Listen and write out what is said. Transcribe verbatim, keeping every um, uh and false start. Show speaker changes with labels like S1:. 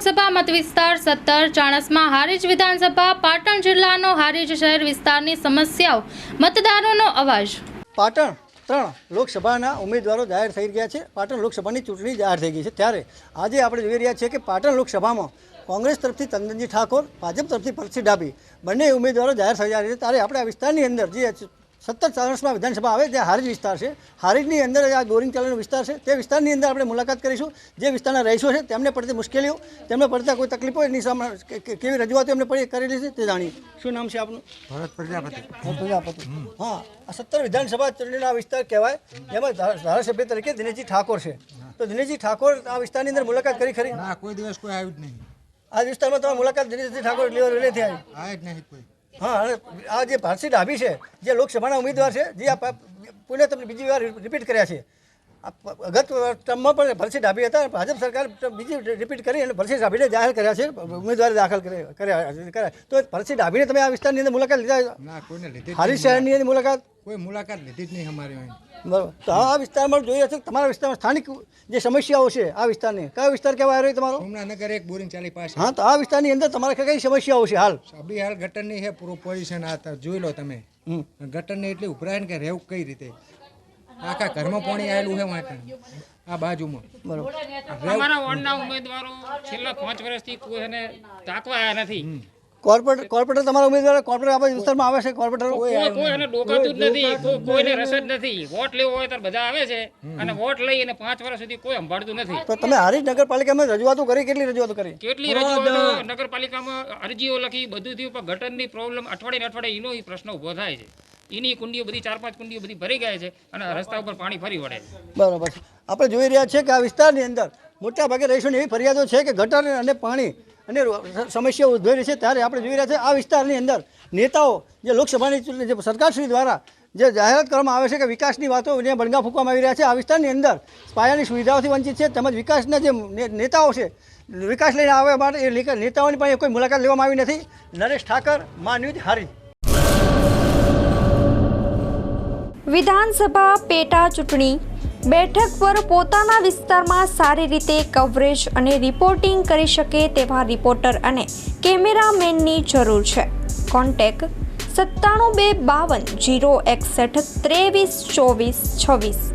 S1: લોકસભા મત વિસ્તાર સત્તર ચાણસ્મા હારીજ વિધાનસભા પાટણ જિલ્લાનો હારીજ શહેર વિસ્તારની સમસ્યાઓ મતદારોનો અવાજ।
S2: પાટણ ત્રણ લોકસભાના ઉમેદવારો જાહેર થઈ ગયા છે। પાટણ લોકસભાની ચૂંટણી જાહેર થઈ ગઈ છે, ત્યારે આજે આપણે જોઈ રહ્યા છીએ કે પાટણ લોકસભામાં કોંગ્રેસ તરફથી તંદનજી ઠાકોર, ભાજપ તરફથી પરસી ડાભી બંને ઉમેદવારો જાહેર થઈ રહ્યા છે। ત્યારે આપણે આ વિસ્તારની અંદર જે સત્તર ચાણસ્મા વિધાનસભા આવે ત્યાં હારીજ વિસ્તાર છે, હારીજની અંદર આ ગોરિંગ ચાલનો વિસ્તાર છે, તે વિસ્તારની અંદર આપણે મુલાકાત કરીશું। જે વિસ્તારના રહીશો છે તેમને પડતી મુશ્કેલીઓ, તેમને પડતા કોઈ તકલીફો, એની સામે કેવી રજૂઆતો એમને પડી કરેલી છે તે જાણીએ। શું નામ છે આપનું?
S3: ભરત પ્રજાપતિ।
S2: ભરત પ્રજાપતિ। હા, આ સત્તર વિધાનસભા ચૂંટણીના વિસ્તાર કહેવાય, એમાં ધારાસભ્ય તરીકે દિનેશજી ઠાકોર છે। તો દિનેશજી ઠાકોર આ વિસ્તારની અંદર મુલાકાત કરી ખરી?
S3: ના, કોઈ દિવસ કોઈ આવ્યું જ નહીં।
S2: આ વિસ્તારમાં તમારી મુલાકાત દિનેશજી ઠાકોર લેવા નથી આવી?
S3: આવે જ નહીં કોઈ।
S2: હા, અને આ જે પરસી ડાભી છે, જે લોકસભાના ઉમેદવાર છે, જે આ પુણે તમને બીજી વાર રિપીટ કર્યા છે, ગત ટર્મમાં પણ પરસી ડાભી હતા, ભાજપ સરકાર બીજી રિપીટ કરી અને પરસી ડાભીને જાહેર કર્યા છે, ઉમેદવારી દાખલ કર્યા। તો પરસી ડાભીને તમે આ વિસ્તારની અંદર મુલાકાત લીધા?
S3: ના, કોઈને લીધી।
S2: હારીજ શહેરની અંદર મુલાકાત
S3: કોઈ મુલાકાત લીધી જ નહીં અમારી અહીં।
S2: બરાબર। તો આ વિસ્તારમાં જોઈએ છે તમારા વિસ્તારમાં સ્થાનિક જે સમસ્યાઓ છે આ વિસ્તારની, કયો વિસ્તાર કહેવાય રહ્યો તમારો?
S3: સોમનાથનગર એક બોરિંગ ચાલી પાસે।
S2: હા, તો આ વિસ્તારની અંદર તમારે કઈ સમસ્યાઓ છે હાલ?
S3: અભી હાલ ગટરની છે પૂરું પોઝિશન, આ જોઈ લો તમે। ગટરની એટલી ઉભરાય ને કે રહેવું કઈ રીતે, આખા ઘરમાં પાણી આવેલું છે વાંકણ આ બાજુમાં।
S2: બરાબર।
S4: અમારા વોર્ડના ઉમેદવારો છેલ્લા પાંચ વર્ષથી કોઈ એને તાકવા આવ્યા નથી।
S2: કોર્પોરેટર કોર્પોરેટર તમારા ઉમેદવાર કોર્પોરેટર આપણા વિસ્તારમાં આવે છે? કોર્પોરેટર
S4: કોઈ કોઈ એને ડોકાતું જ નથી, કોઈ કોઈને રસ જ નથી। વોટ લેવો હોય ત્યારે બધા આવે છે અને વોટ લઈ અને પાંચ વર્ષ સુધી કોઈ સંભાળતું નથી।
S2: તો તમે હારીજ નગરપાલિકામાં રજૂઆતો કરી? કેટલી રજૂઆતો કરી?
S4: કેટલી રજૂઆતો નગરપાલિકામાં અરજીઓ લખી, બધું થયું, પણ ગટરની પ્રોબ્લેમ અઠવાડિયે અઠવાડિયે એનો પ્રશ્ન ઊભો થાય છે। એની કુંડીઓ બધી ચાર પાંચ કુંડીઓ બધી ભરી ગયા છે અને રસ્તા ઉપર પાણી ફરી વળે છે।
S2: બરાબર છે। આપણે જોઈ રહ્યા છીએ કે આ વિસ્તારની અંદર મોટા ભાગે રહીશોની એવી ફરિયાદો છે કે ગટર અને પાણી અને સમસ્યાઓ ઉદ્ભવી રહી છે। ત્યારે આપણે જોઈ રહ્યા છીએ આ વિસ્તારની અંદર નેતાઓ જે લોકસભાની ચૂંટણી જે સરકારશ્રી દ્વારા જે જાહેરાત કરવામાં આવે છે કે વિકાસની વાતો જે બણગા ફૂંકવામાં આવી રહ્યા છે, આ વિસ્તારની અંદર પાયાની સુવિધાઓથી વંચિત છે, તેમજ વિકાસના જે નેતાઓ છે વિકાસ લઈને આવવા માટે એ નેતાઓની પણ કોઈ મુલાકાત લેવામાં આવી નથી। નરેશ ઠાકર, મા ન્યૂઝ, હારીજ।
S5: વિધાનસભા પેટા ચૂંટણી બેઠક પર પોતાના વિસ્તારમાં સારી રીતે કવરેજ અને રિપોર્ટિંગ કરી શકે તેવા રિપોર્ટર અને કેમેરામેનની જરૂર છે। કોન્ટેક્ટ સત્તાણું બે બાવન જીરો એકસઠ ત્રેવીસ ચોવીસ છવ્વીસ।